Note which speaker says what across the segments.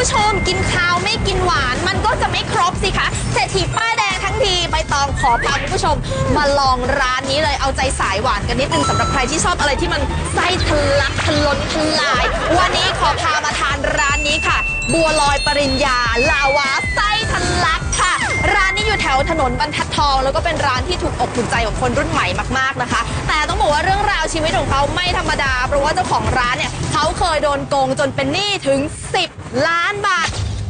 Speaker 1: ผู้ชมกินข้าวไม่กินหวานมันก็จะไม่ครบสิคะเศรษฐีป้ายแดงทั้งทีใบตองขอพาคุณผู้ชมมาลองร้านนี้เลยเอาใจสายหวานกันนิดนึงสำหรับใครที่ชอบอะไรที่มันไส้ทะลักทะล้นทลายวันนี้ขอพามาทานร้านนี้ค่ะบัวลอยปริญญาลาวาไส้ทะลักค่ะร้านนี้อยู่แถวถนนบรรทัดทองแล้วก็เป็นร้านที่ถูกอกถูกใจของคนรุ่นใหม่มากๆนะคะแต่ต้องบอกว่าเรื่องราวชีวิตของเขาไม่ธรรมดาเพราะว่าเจ้าของร้านเนี่ยเขาเคยโดนโกงจนเป็นหนี้ถึง10 ล้านบาท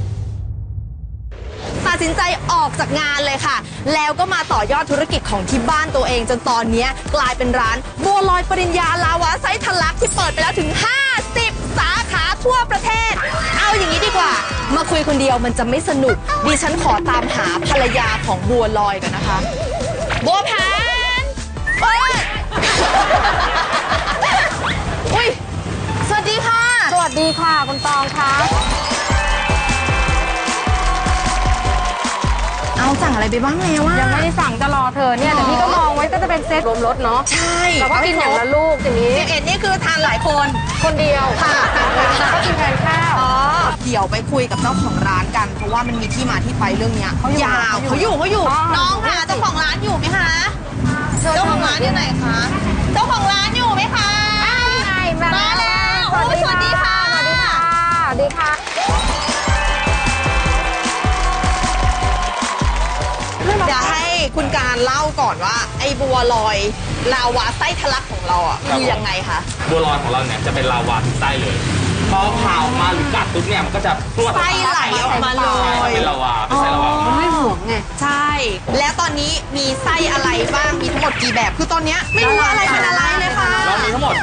Speaker 1: ตัดสินใจออกจากงานเลยค่ะแล้วก็มาต่อยอดธุรกิจของที่บ้านตัวเองจนตอนนี้กลายเป็นร้านบัวลอยปริญญาลาวาไส้ทะลักที่เปิดไปแล้วถึง50 สาขาทั่วประเทศเอาอย่างนี้ดีกว่ามาคุยคนเดียวมันจะไม่สนุกดิฉันขอตามหาภรรยาของบัวลอยกันนะคะบัวแพนเปิดอุ้ยสวัสดีค่ะ
Speaker 2: สวัสดีค่ะคุณตองคะ
Speaker 1: เอาสั่งอะไรไปบ้างแล้วอะ
Speaker 2: ยังไม่ได้สั่งจะรอเธอเนี่ยแต่พี่ก็มองไว้ก็จะเป็นเซตรวมรสเนาะ
Speaker 1: ใช่
Speaker 2: เราก็กินอย่างละลูกอย่างนี้
Speaker 1: 11นี่คือทานหลายคน
Speaker 2: คนเดียว
Speaker 1: ค่ะ
Speaker 2: ก็กินแทนข้าว
Speaker 1: เดี๋ยวไปคุยกับเจ้าของร้านกันเพราะว่ามันมีที่มาที่ไปเรื่องเนี้ยยาวเขาอยู่น้องค่ะเจ้าของร้านอยู่ไหมคะเจ้าของร้านอยู่ไหนคะเจ้าของร้านอยู่ไหมคะมาแล้วสวัสดีค่ะ
Speaker 2: สวัสดีค่ะสวัสดีค่ะ
Speaker 1: เดี๋ยวให้คุณการเล่าก่อนว่าไอ้บัวลอยลาวาไส้ทะลักของเราอ่ะคือยังไงคะ
Speaker 3: บัวลอยของเราเนี่ยจะเป็นลาวาทุกไส้เลยพอผ่าออกมาหรือกัดปุ๊บเนี่ยมันก็จะพรวด
Speaker 1: ไส้ไหลออกมาเลย
Speaker 3: เป็นลาวาเป็นไส้ลาวา
Speaker 2: มันไม่ห่วงไง
Speaker 1: ใช่แล้วตอนนี้มีไส้อะไรบ้างมีทั้งหมดกี่แบบคือตอนนี้ไม่รู้อะไรเป็นอะไรเลยค่ะ
Speaker 3: เรามีทั้งหมด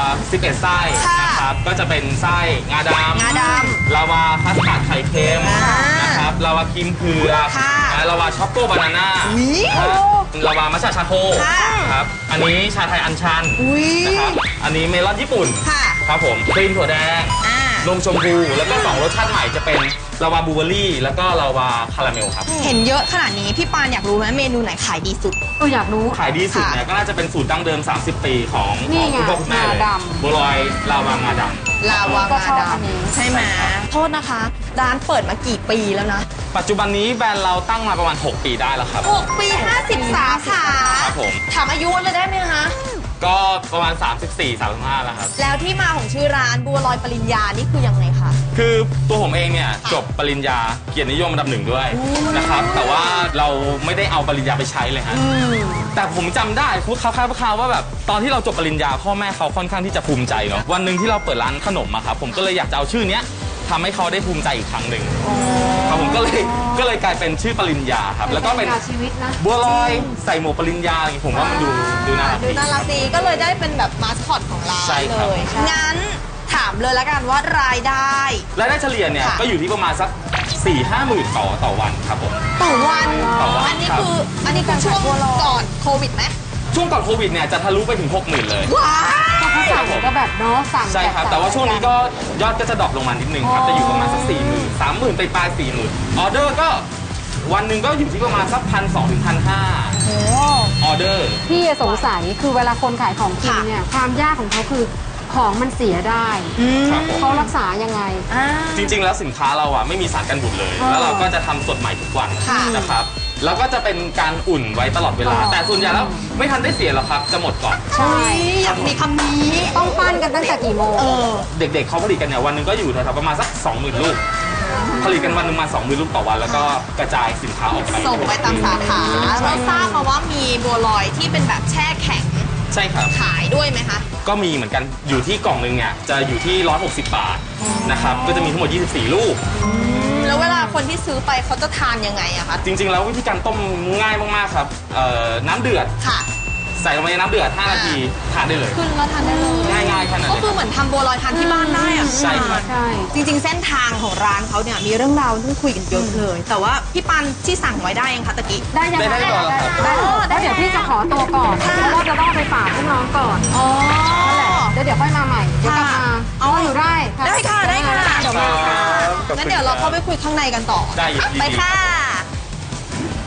Speaker 3: 11 ไส้นะครับก็จะเป็นไส้งาดำลาวาคัสตาร์ดไข่เค็มนะครับลาวาครีมเผือกลาวาช็อกโกบานาน่าลาวามัชชาชาโคครับอันนี้ชาไทยอัญชันนะครับอันนี้เมลอนญี่ปุ่นครับผมครีมถั่วแดงนมชมพูแล้วก็2 รสชาติใหม่จะเป็นลาวาบลูเบอร์รี่แล้วก็ลาวาคาราเมลครับ
Speaker 1: เห็นเยอะขนาดนี้พี่ปานอยากรู้ไหมเมนูไหนขายดีสุด
Speaker 2: อยากรู้
Speaker 3: ขายดีสุดเนี่ยก็น่าจะเป็นสูตรดั้งเดิม30 ปีของคุณพ่อคุณแม่เลยบัวลอยลาวางาดำ
Speaker 1: ลาวางาดำใช่ไหมโทษนะคะร้านเปิดมากี่ปีแล้วนะ
Speaker 3: ปัจจุบันนี้แบรนด์เราตั้งมาประมาณ6 ปีได้แล้วครับ
Speaker 1: 6 ปี50 สาขา
Speaker 3: ครับผม
Speaker 1: ถามอายุเลยได้ไหมคะ
Speaker 3: ก็ประมาณ34-35แล้วครับ
Speaker 1: แล้วที่มาของชื่อร้านบัวลอยปริญญานี่คือยังไงคะ
Speaker 3: คือตัวผมเองเนี่ยจบปริญญาเกียรตินิยมอันดับ1ด้วยนะครับแต่ว่าเราไม่ได้เอาปริญญาไปใช้เลยฮะแต่ผมจำได้พูดคร่าวๆว่าแบบตอนที่เราจบปริญญาพ่อแม่เขาค่อนข้างที่จะภูมิใจเนาะวันหนึ่งที่เราเปิดร้านขนมอะครับผมก็เลยอยากจะเอาชื่อเนี้ยทำให้เขาได้ภูมิใจอีกครั้งหนึ่งครับผมก็เลยกลายเป็นชื่อปริญญาครับแล้วก็เป็นบัวลอยใส่หมวกปริญญาอย่างนี้ผมว่ามันดูน่ารัก
Speaker 1: ดีก็เลยได้เป็นแบบมาสคอตของร้านเลยงั้นถามเลยแล้วกันว่ารายได้
Speaker 3: เฉลี่ยเนี่ยก็อยู่ที่ประมาณสัก4-5 หมื่นต่อวันครับผม
Speaker 1: ต่อวันอันนี้คือช่วงก่อนโควิดไหม
Speaker 3: ช่วงก่อนโควิดเนี่ยจะทะลุไปถึง 60,000 เลย
Speaker 1: ว้าว
Speaker 2: เขาสั่งก็แบบเนาะสั่ง
Speaker 3: ใช่ครับแต่ว่าช่วงนี้ก็ยอดก็จะดรอปลงมานิดนึงครับจะอยู่ประมาณสัก40,000 30,000ไปปลาย 40,000ออเดอร์ก็วันหนึ่งก็อยู่ที่ประมาณสัก1,200 ถึง 1,500ออเดอร์
Speaker 2: พี่สงสัยคือเวลาคนขายของกินเนี่ยความยากของเขาคือของมันเสียได้เขารักษายังไง
Speaker 3: จริงๆแล้วสินค้าเราอ่ะไม่มีสารกันบูดเลยแล้วเราก็จะทำสดใหม่ทุกวันนะครับแล้วก็จะเป็นการอุ่นไว้ตลอดเวลาแต่ส่วนใหญ่แล้วไม่ทันได้เสียหรอกครับจะหมดก่อน
Speaker 1: ใช่อยากมีคำนี้
Speaker 2: ต้องปั้นกันตั้งแต่กี่โมง
Speaker 3: เด็กๆเขาผลิตกันเนี่ยวันหนึ่งก็อยู่แถวๆประมาณสัก 20,000 ลูกผลิตกันวันนึงมา 20,000 ลูกต่อวันแล้วก็กระจายสินค้าออกไป
Speaker 1: ส่งไปตามสาขาเราทราบมาว่ามีบัวลอยที่เป็นแบบแช่แข็ง
Speaker 3: ใช่ครับ
Speaker 1: ขายด้วยไหมคะ
Speaker 3: ก็มีเหมือนกันอยู่ที่กล่องนึงเนี่ยจะอยู่ที่160 บาทนะครับก็จะมีทั้งหมด24 ลูก
Speaker 1: แล้วเวลาคนที่ซื้อไปเขาจะทานยังไงอะคะ
Speaker 3: จริงๆแล้ววิธีการต้มง่ายมากๆครับน้ำเดือดใส่ลงไปในน้ำเดือด5 นาทีทานได้เลย
Speaker 1: ขึ้นแล้วทานได้เลย
Speaker 3: ง่ายๆแค่นั้น
Speaker 1: ก็คือเหมือนทำบัวลอยทานที่บ้านได้อะ
Speaker 3: ใช่ครับ
Speaker 1: จริงๆเส้นทางของร้านเขาเนี่ยมีเรื่องราวต้องคุยกันเยอะเลยแต่ว่าพี่ปันที่สั่งไว้ได้ยังคะตะกี้
Speaker 2: ได้ยัง
Speaker 3: ได้ก่อน
Speaker 2: แล้วเดี๋ยวพี่จะขอตัวก่อนเพราะว่าจะต้องไปฝากพี่น้องก่อนนั่นแหละเดี๋ยวค่อยมาใหม่เดี๋ยวกลับมาอยู่ได้
Speaker 1: ค่ะเดี๋ยวมาค่ะงั้นเดี๋ยวเราเข้าไปคุยข้างในกันต่อไปค่ะ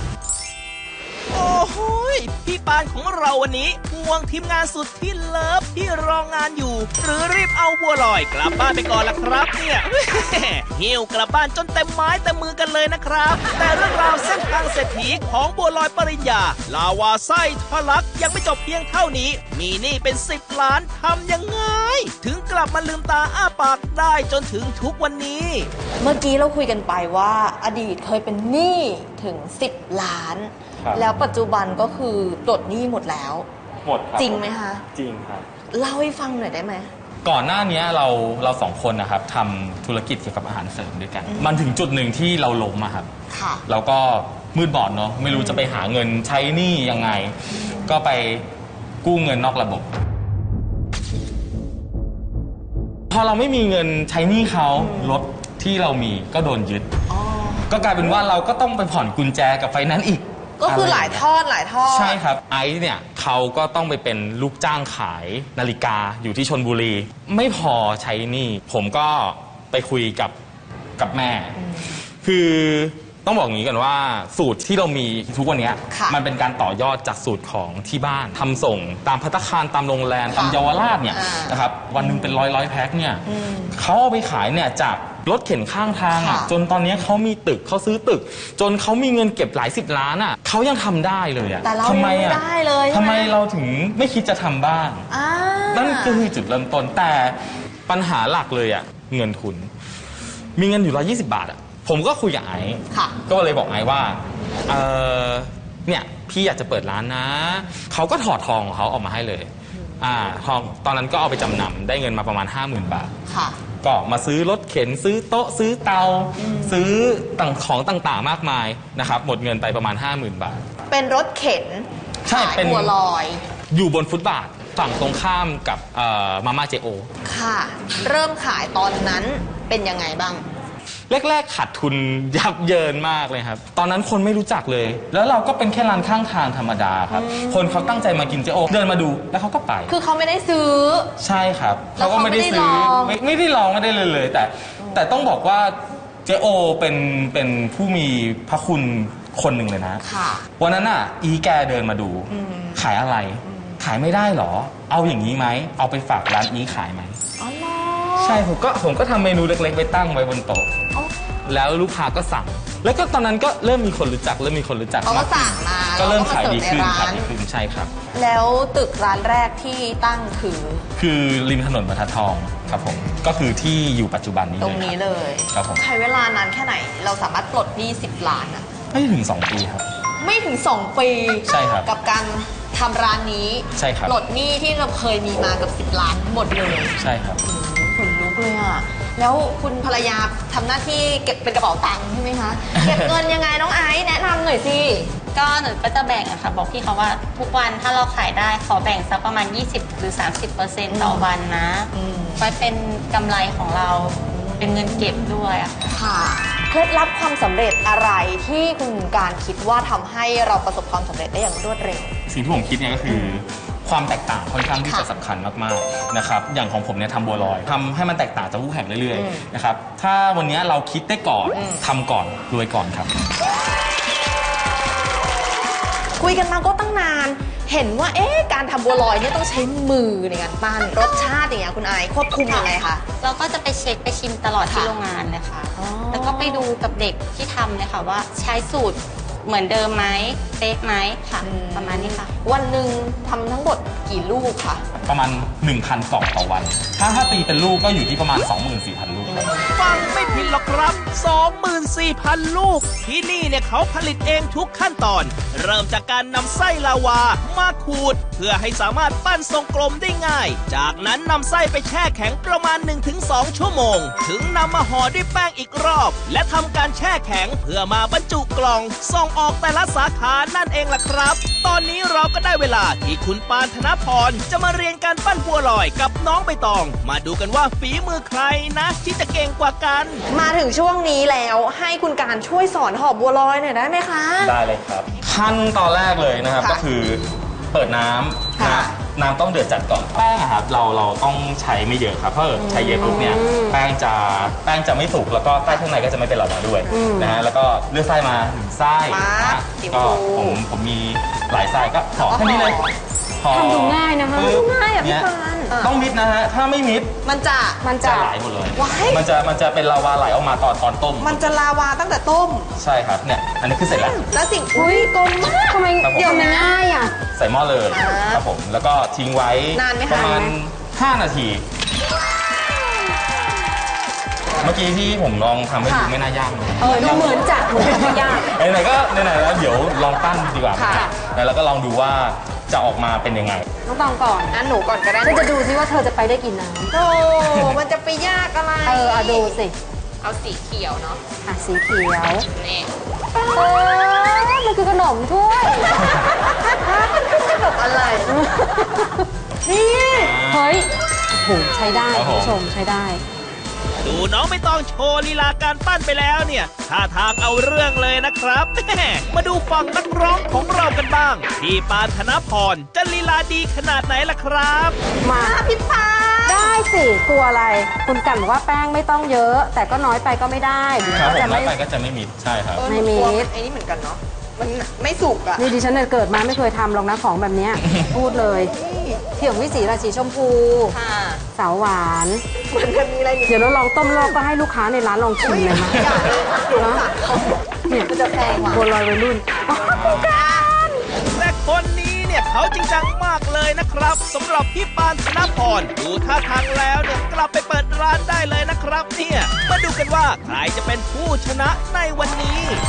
Speaker 4: โอ้โหพี่ปานของเราวันนี้ห่วงทีมงานสุดที่เลิฟที่รองงานอยู่ หรือรีบเอาบัวลอยกลับบ้านไปก่อนล่ะครับเนี่ย หิ้วกลับบ้านจนเต็มไม้เต็มมือกันเลยนะครับ แต่เรื่องราวเส้นทางเศรษฐีของบัวลอยปริญญาลาวาไส้ทะลักยังไม่จบเพียงเท่านี้ มีหนี้เป็น10 ล้านทำยังไง ถึงกลับมาลืมตาอ้าปากได้จนถึงทุกวันนี้
Speaker 1: เมื่อกี้เราคุยกันไปว่าอดีตเคยเป็นหนี้ถึง10 ล้าน
Speaker 3: ครับ
Speaker 1: แล้วปัจจุบันก็คือปลดหนี้หมดแล้ว
Speaker 3: หมดครับ
Speaker 1: จริงไหมคะ
Speaker 3: จริงครับ
Speaker 1: เล่าให้ฟังหน่อยได้ไหม
Speaker 3: ก่อนหน้านี้เราสองคนนะครับทำธุรกิจเกี่ยวกับอาหารเสริมด้วยกัน มันถึงจุดหนึ่งที่เราล้มอะครับ
Speaker 1: ค่ะ
Speaker 3: เราก็มืดบอดเนาะไม่รู้จะไปหาเงินใช้หนี้ยังไง ก็ไปกู้เงินนอกระบบ พอเราไม่มีเงินใช้หนี้เขารถที่เรามีก็โดนยึด ก็กลายเป็นว่าเราก็ต้องไปผ่อนกุญแจกับไฟแนนซ์อีก
Speaker 1: ก็คือหลายทอดหลายทอด
Speaker 3: ใช่ครับไอซ์เนี่ยเขาก็ต้องไปเป็นลูกจ้างขายนาฬิกาอยู่ที่ชลบุรี ไม่พอใช้หนี้ผมก็ไปคุยกับแม่ คือต้องบอกอย่างนี้กันว่าสูตรที่เรามีทุกวันนี้
Speaker 1: ค่ะ
Speaker 3: มันเป็นการต่อยอดจากสูตรของที่บ้านทำส่งตามภัตตาคารตามโรงแรมตามเยาวราชเนี่ย
Speaker 1: อ่าน
Speaker 3: นะครับวันหนึงเป็นร้อยแพ็คเนี่ยเขาเอาไปขายเนี่ยจากรถเข็นข้างทางอ่ะ
Speaker 1: ค่ะ
Speaker 3: จนตอนนี้เขามีตึกเขาซื้อตึก จนเขามีเงินเก็บหลาย10 ล้านอ่ะเขายังทำได้เลยอ่ะ
Speaker 1: แต่เรา
Speaker 3: ทำไม
Speaker 1: ยังไม่
Speaker 3: อ่ะ
Speaker 1: ได้เลยใช่ไหม
Speaker 3: ทำไมเราถึงไม่คิดจะทำบ้าง
Speaker 1: อ่า
Speaker 3: นั่นคือจุดเริ่มต้นแต่ปัญหาหลักเลยอ่ะเงินทุน มีเงินอยู่120 บาทอ่ะผมก็คุยกับไอซ์
Speaker 1: ค่ะ
Speaker 3: ก็เลยบอกไอซ์ว่าเนี่ยพี่อยากจะเปิดร้านนะเขาก็ถอดทองของเขาออกมาให้เลยทองตอนนั้นก็เอาไปจำนำได้เงินมาประมาณ 50,000 บาท
Speaker 1: ค่ะ
Speaker 3: ก็มาซื้อรถเข็นซื้อโต๊ะซื้อเตาซื้อของต่างๆมากมายนะครับหมดเงินไปประมาณ 50,000 บาท
Speaker 1: เป็นรถเข็น
Speaker 3: ใช่
Speaker 1: ขาย
Speaker 3: เป็น
Speaker 1: บัวลอย
Speaker 3: อยู่บนฟุตบาทฝั่งตรงข้ามกับมาม่าเจโอ
Speaker 1: ค่ะ เริ่มขายตอนนั้นเป็นยังไงบ้าง
Speaker 3: แรกๆขาดทุนยับเยินมากเลยครับ ตอนนั้นคนไม่รู้จักเลย แล้วเราก็เป็นแค่ร้านข้างทางธรรมดาครับ คนเขาตั้งใจมากินเจโอเดินมาดูแล้วเขาก็ไป
Speaker 1: คือเขาไม่ได้ซื้อ
Speaker 3: ใช่ครับ
Speaker 1: แล้วเขาไม่ได้
Speaker 3: ซื้
Speaker 1: ลอง
Speaker 3: ไม่ได้ลองไม่ได้เลย แต่ต้องบอกว่าเจโอเป็นผู้มีพระคุณคนหนึ่งเลยนะ
Speaker 1: ค่ะ
Speaker 3: วันนั้นอ่ะอีแกเดินมาดู ขายอะไร ขายไม่ได้เหรอ เอาอย่างนี้ไหมเอาไปฝากร้านอีขายไหม
Speaker 1: อ๋อเหรอ
Speaker 3: ใช่ผมก็ทำเมนูเล็กๆไปตั้งไว้บนโต๊ะ
Speaker 1: อ๋อ
Speaker 3: แล้วลูกค้าก็สั่ง แล้วก็ตอนนั้นก็เริ่มมีคนรู้จัก
Speaker 1: เขาก็สั่งมา
Speaker 3: ก็เริ่มขายดีขึ้น
Speaker 1: แล้วก็
Speaker 3: ขาย
Speaker 1: มาเสิร์ฟในร้าน
Speaker 3: ดีขึ้นใช่ครับ
Speaker 1: แล้วตึกร้านแรกที่ตั้งคือ
Speaker 3: คือริมถนนบรรทัดทองครับผมก็คือที่อยู่ปัจจุบันนี้
Speaker 1: ตรงนี้เลย
Speaker 3: ครับผม
Speaker 1: ใช้เวลานานแค่ไหน เราสามารถปลดหนี้10 ล้านอะ
Speaker 3: ไม่ถึง2 ปีครับ
Speaker 1: ไม่ถึง 2 ปี
Speaker 3: ใช่ครับ
Speaker 1: กับการทำร้านนี้
Speaker 3: ใช่ครับ
Speaker 1: ปลดหนี้ที่เราเคยมีมากับ10 ล้านหมดเลย
Speaker 3: ใช่ครับ
Speaker 1: ขนลุกเลยอ่ะ แล้วคุณภรรยาทำหน้าที่เก็บเป็นกระเป๋าตังค์ใช่ไหมคะ เก็บเงินยังไงน้องไอซ์แนะนำหน่อยสิ
Speaker 5: ก็หนูก็จะแบ่งอะค่ะบอกพี่เขาว่าทุกวันถ้าเราขายได้ขอแบ่งสักประมาณ 20 หรือ 30% ต่อวันนะไว้เป็นกำไรของเราเป็นเงินเก็บด้วยอะ
Speaker 1: ค่ะ เคล็ดลับความสำเร็จอะไรที่คุณการคิดว่าทำให้เราประสบความสำเร็จได้อย่างรวดเร็ว
Speaker 3: สิ่งที่ผมคิดเนี่ยก็คือความแตกต่างค่อนข้างที่จะสำคัญมากๆนะครับอย่างของผมเนี่ยทำบัวลอยทำให้มันแตกต่างจากคู่แข่งเรื่อยๆนะครับถ้าวันนี้เราคิดได้ก่อนทำก่อนรวยก่อนครับ
Speaker 1: คุยกันมาก็ตั้งนาน เห็นว่าการทำบัวลอยเนี่ยต้องใช้มือในการปั้นรสชาติอย่างเงี้ยคุณไอซ์ควบคุมยังไงคะ
Speaker 5: เราก็จะไปเช็คไปชิมตลอดที่
Speaker 1: ค่ะ
Speaker 5: โรงงานเลยค่ะ
Speaker 1: อ๋อ
Speaker 5: แล้วก็ไปดูกับเด็กที่ทำเลยค่ะว่าใช้สูตรเหมือนเดิมไหมเป๊ะไหมค่ะ ประมาณนี้ค่ะ
Speaker 1: วันหนึ่งทำทั้งหมดกี่ลูกคะ
Speaker 3: ประมาณ 1,000 กล่องต่อวัน ถ้าตีเป็นลูกก็อยู่ที่ประมาณ 24,000 ลูกครับ
Speaker 4: ฟังไม่ผิดหรอกครับ 24,000 ลูก ที่นี่เนี่ยเขาผลิตเองทุกขั้นตอน เริ่มจากการนำไส้ลาวามาขูด เพื่อให้สามารถปั้นทรงกลมได้ง่าย จากนั้นนำไส้ไปแช่แข็งประมาณ 1-2 ชั่วโมง ถึงนำมาห่อด้วยแป้งอีกรอบ และทำการแช่แข็งเพื่อมาบรรจุกล่อง ส่งออกแต่ละสาขานั่นเองล่ะครับ ตอนนี้เราก็ได้เวลาที่คุณปานธนพรจะมาเรียนการปั้นบัวลอยกับน้องใบตอง มาดูกันว่าฝีมือใครนะที่จะเก่งกว่ากัน
Speaker 1: มาถึงช่วงนี้แล้วให้คุณการช่วยสอนห่อบัวลอยหน่อยได้ไหมคะ
Speaker 3: ได้เลยครับขั้นตอนแรกเลยนะครับ
Speaker 1: ค่ะ
Speaker 3: ก็คือเปิดน้ำ
Speaker 1: ค่ะ
Speaker 3: นะน้ำต้องเดือดจัดก่อนแป้งอะครับเราต้องใช้ไม่เยอะครับเพราะใช้เยอะปุ๊บเนี่ยแป้งจะไม่สุกแล้วก็ไส้ข้างในก็จะไม่เป็นหลอดด้วยนะฮะแล้วก็เลือกไส้มา1 ไส้
Speaker 1: มา
Speaker 3: นะ
Speaker 1: สี
Speaker 3: ก็
Speaker 1: ฟู
Speaker 3: ผมมีหลายไส้ก็ห่อแค่นี้เลยห่อ
Speaker 2: ทำดูง่ายนะคะ
Speaker 3: ปึ๊บ
Speaker 1: ง่ายอ่ะพี่
Speaker 3: เนี่ย
Speaker 1: ปาน
Speaker 3: ต้องมิดนะฮะถ้าไม่มิด
Speaker 1: มันจะ
Speaker 3: จะไหลหมดเลย
Speaker 1: ว้าย
Speaker 3: มันจะเป็นลาวาไหลออกมาตอนต้ม
Speaker 1: มันจะลาวาตั้งแต่ต้ม
Speaker 3: ใช่ครับเนี่ยอันนี้คือเสร็จแล้ว
Speaker 1: แล้วสิ่งอุ้ยกลมมาก
Speaker 2: ทำไม
Speaker 3: ครับผม
Speaker 2: เดี๋ยวมันง่ายอ่ะ
Speaker 3: ใส่หม้อเลยครับผมแล้วก็ทิ้งไว้
Speaker 1: นานไหมคะ
Speaker 3: ประมาณ5 นาที เมื่อกี้ที่ผมลองทำให้ดูไม่น่ายากเลย
Speaker 2: ดูเหมือนจะไม่ยาก
Speaker 3: ไหนๆก็ไหนๆแล้วเดี๋ยวลองปั้นดีกว่า
Speaker 1: ค่ะ
Speaker 3: แล้วก็ลองดูว่าจะออกมาเป็นยังไง
Speaker 2: น้องตองก่อน
Speaker 1: งั้นหนูก่อนก็ได้
Speaker 2: เธอจะดูซิว่าเธอจะไปได้กี่น้
Speaker 1: โอ้มันจะไปยากอะไร
Speaker 2: ำอะดูสิ
Speaker 1: เอาสีเขียวเนาะ
Speaker 2: อ่ะสีเขียว
Speaker 1: นี่
Speaker 2: มันคือขนมถ้วย
Speaker 1: แบบอะไร นี่
Speaker 2: เฮ้ยโอ้โหใช้ได้
Speaker 3: ครับผม
Speaker 2: คุณผู้ชมใช้ได้
Speaker 4: ดูน้องไม่ต้องโชว์ลีลาการปั้นไปแล้วเนี่ยท่าทางเอาเรื่องเลยนะครับแม่มาดูฝั่งนักร้องของเรากันบ้าง พี่ปานธนพรจะลีลาดีขนาดไหนล่ะครับ
Speaker 2: มา
Speaker 1: พี่ปา
Speaker 2: ได้สิกลัวอะไร คุณกันบอกว่าแป้งไม่ต้องเยอะ แต่ก็น้อยไปก็ไม่ได้เดี๋ยว
Speaker 3: ครับ
Speaker 2: ก็
Speaker 3: ผ
Speaker 2: จะ
Speaker 3: ม
Speaker 2: ไม่
Speaker 3: แล้วไปก็จะไม่มิดใช่ครับ
Speaker 2: ไม่มี
Speaker 1: ไอ้นี่เหมือนกันเนาะ มันไม่สุกอะ
Speaker 2: นี่ดิฉันเนี่ยเกิดมาไม่เคยทำหรอกนะของแบบเนี้ย พูดเลยเที่ยงวิสีราศีชมพู
Speaker 1: ค่ะ
Speaker 2: สาวหวาน
Speaker 1: มันจะมีอะไรอีก
Speaker 2: เดี๋ยวเราลองต้มรอบก็ให้ลูกค้าในร้านลองชิมเลยมั้ย
Speaker 1: อย่าเลยเดี๋ยวค่ะ
Speaker 2: เนี่ย
Speaker 1: มันจะแพงว่ะ
Speaker 2: บัวลอยวัยรุ่น
Speaker 4: แต่คนนี้เนี่ยเขาจริงจังมากเลยนะครับสำหรับพี่ปานธนพรดูท่าทางแล้วเนี่ยกลับไปเปิดร้านได้เลยนะครับเนี่ยมาดูกันว่าใครจะเป็นผู้ชนะในวันนี้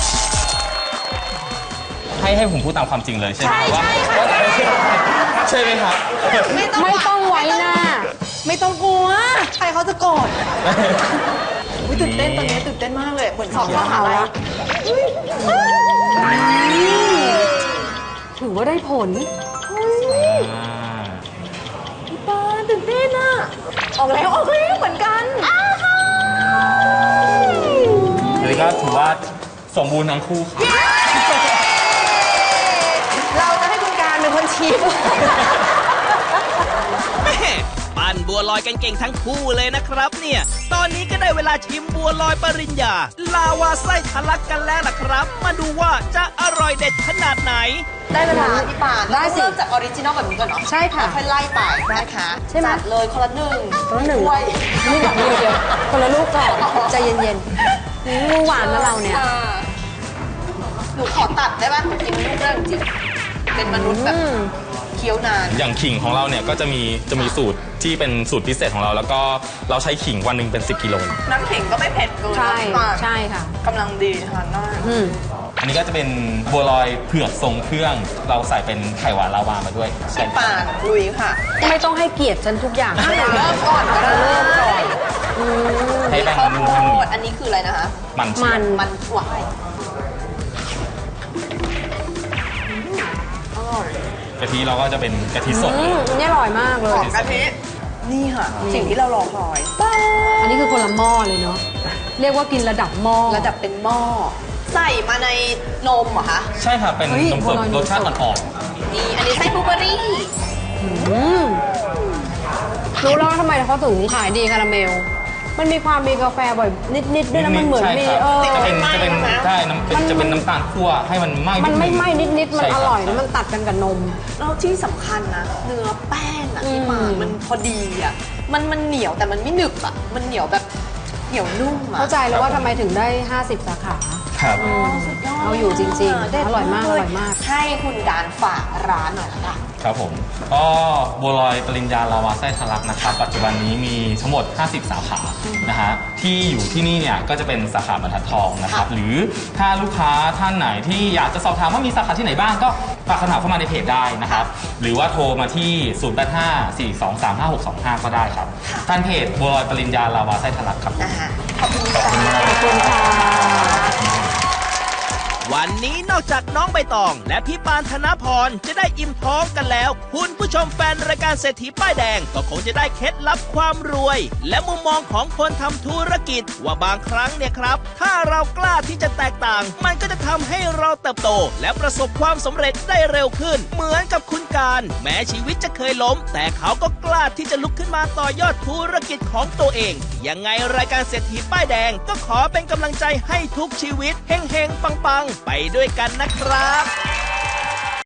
Speaker 3: ให้ผมพูดตามความจริงเลยใช่ไหมว่าใช่ไหมครับ
Speaker 2: ไม่ต้องไว้หน้า
Speaker 1: ไม่ต้องกลัว ใครเขาจะโกรธอุ๊ยตื่นเต้นตอนนี้ตื่นเต้นมากเลย เหมือนสอบมหาลัย
Speaker 2: ถือว่าได้ผล
Speaker 1: พี่ปานตื่นเต้นอะออกแล้วเหมือนกัน
Speaker 3: อันนี้ก็ถือว่าสมบูรณ์ทั้งคู่ครับ
Speaker 1: เราจะให้คุณการเป็นคนชิม
Speaker 4: แม่ปั้นบัวลอยกันเก่งทั้งคู่เลยนะครับเนี่ย ตอนนี้ก็ได้เวลาชิมบัวลอยปริญญา ลาวาไส้ทะลักกันแล้วล่ะครับ มาดูว่าจะอร่อยเด็ดขนาดไหน
Speaker 1: ได้เวลาพี่ปาน
Speaker 2: ได้สิ
Speaker 1: เริ่มจากออริจินอลแบบนี้ก่อนเนาะ
Speaker 2: ใช่ค่ะ
Speaker 1: แล้วค่อยไล่ไปนะคะ
Speaker 2: ใช่ไหม
Speaker 1: จัดเลยคนละหนึ่ง
Speaker 2: คนละหนึ่ง
Speaker 1: ถ้วย
Speaker 2: นี่แบบนี้เดียวคนละลูกก่อนใจเย็นๆมือหวานนะเราเนี่ย
Speaker 1: หนูขอตัดได้ป่ะกินลูกเรื่องจริงเป็นมนุษย์แบบเคี้ยวนาน
Speaker 3: อย่างขิงของเราเนี่ยก็จะมีสูตรที่เป็นสูตรพิเศษของเรา แล้วก็เราใช้ขิงวันหนึ่งเป็น10 กิโล
Speaker 1: น้ำขิงก็ไม่เผ็ดเกิน
Speaker 2: ใช่
Speaker 1: พี่ปาน
Speaker 2: ใช่ค่ะ
Speaker 1: กำลังดีทานได้
Speaker 2: อืม
Speaker 3: อันนี้ก็จะเป็นบัวลอยเผือกทรงเครื่อง เราใส่เป็นไข่หวานลาวามาด้วย
Speaker 1: พี่ปานลุยค่ะ
Speaker 2: ไม่ต้องให้เกียรติฉันทุกอย่าง
Speaker 1: เดี๋ยวเริ่มก่อนก็ได้
Speaker 2: เริ่มก่อน
Speaker 3: ให้แป้ง
Speaker 1: ข้าว
Speaker 3: มัน
Speaker 1: โพ
Speaker 3: นุ่ม
Speaker 1: ดอันนี้คืออะไรนะคะ
Speaker 3: ๆมันเชี
Speaker 2: มั
Speaker 3: ย
Speaker 2: น
Speaker 3: ว
Speaker 1: มันหวาน
Speaker 3: กะทิเราก็จะเป็นกะทิสดเลย
Speaker 2: อันนี้อร่อยมากเล
Speaker 1: หอย มกะทินี่ค่ะ สิ่งที่เรารอคอย
Speaker 2: อันนี้คือคนละหม้อเลยเนาะ เรียกว่ากินระดับหม้อ
Speaker 1: ระดับเป็นหม้อ ใส่มาในนมเหรอคะ
Speaker 3: ใช่ค่ะเป็น
Speaker 2: เฮ้ย
Speaker 3: นมสด
Speaker 2: บัวลอยนมสด
Speaker 3: รสชาติอ่อน
Speaker 1: นี่อันนี้ไส้บลูเบอร์รี่
Speaker 2: อืมรู้แล้วว่าทำไมเขาถึงขายดีคาราเมล มันมีความมีกาแฟบ่อยนิดๆด้วยนะมันเหมือน
Speaker 3: ใช่
Speaker 2: มี
Speaker 3: ครับ จะเป็น
Speaker 1: ไหม้
Speaker 3: จะเป็น
Speaker 1: ไหม
Speaker 3: ใช่น้ำเป็นจะเป็นน้ำตาลคั่วให้มันไหม้
Speaker 2: มันไม่ไหม้นิดๆ มัน
Speaker 3: ใช่
Speaker 2: อ
Speaker 3: คบ
Speaker 2: ร่อยแล้วมันตัดกันกับนม
Speaker 1: แล้วที่สำคัญนะ เนื้อแป้งอ่ะที่มา
Speaker 2: อืม
Speaker 1: มันพอดีอ่ะ มันเหนียวแต่มันไม่หนึบอ่ะ มันเหนียวแบบเหนียวนุ่มอ่ะ
Speaker 2: เข้าใจแล้วว่าทำไมถึงได้ 50 สาขา
Speaker 3: ครับ
Speaker 1: สุดยอด
Speaker 2: เอาอยู่จริงๆ
Speaker 1: เด็ด
Speaker 2: อร่อยมาก
Speaker 1: เล
Speaker 2: อร่อยมาก
Speaker 1: ให้คุณการฝากร้านหน่อยละกัน
Speaker 3: ครับผมก็บัวลอยปริญญาลาวาไส้ทะลักนะครับ ปัจจุบันนี้มีทั้งหมด 50 สาขานะฮะที่อยู่ที่นี่เนี่ยก็จะเป็นสาขาบรรทัดทองนะครับ
Speaker 1: ค่ะ
Speaker 3: หรือถ้าลูกค้าท่านไหนที่อยากจะสอบถามว่ามีสาขาที่ไหนบ้างก็ฝากคำถามเข้ามาในเพจได้นะครับ หรือว่าโทรมาที่ 0854235625 ก็ได้ครับท่านเพจบัวลอยปริญญาลาวาไส้ทะลักครับ
Speaker 1: นะคะขอบคุณค่ะ
Speaker 2: ขอบคุณค่ะ
Speaker 4: วันนี้นอกจากน้องใบตอง และพี่ปานธนพรจะได้อิ่มท้องกันแล้ว คุณผู้ชมแฟนรายการเศรษฐีป้ายแดงก็คงจะได้เคล็ดลับความรวย และมุมมองของคนทำธุรกิจว่าบางครั้งเนี่ยครับ ถ้าเรากล้าที่จะแตกต่าง มันก็จะทำให้เราเติบโต และประสบความสำเร็จได้เร็วขึ้น เหมือนกับคุณการแม้ชีวิตจะเคยล้ม แต่เขาก็กล้าที่จะลุกขึ้นมาต่อยอดธุรกิจของตัวเองยังไงรายการเศรษฐีป้ายแดงก็ขอเป็นกำลังใจให้ทุกชีวิตเฮงๆปังๆไปด้วยกันนะครับ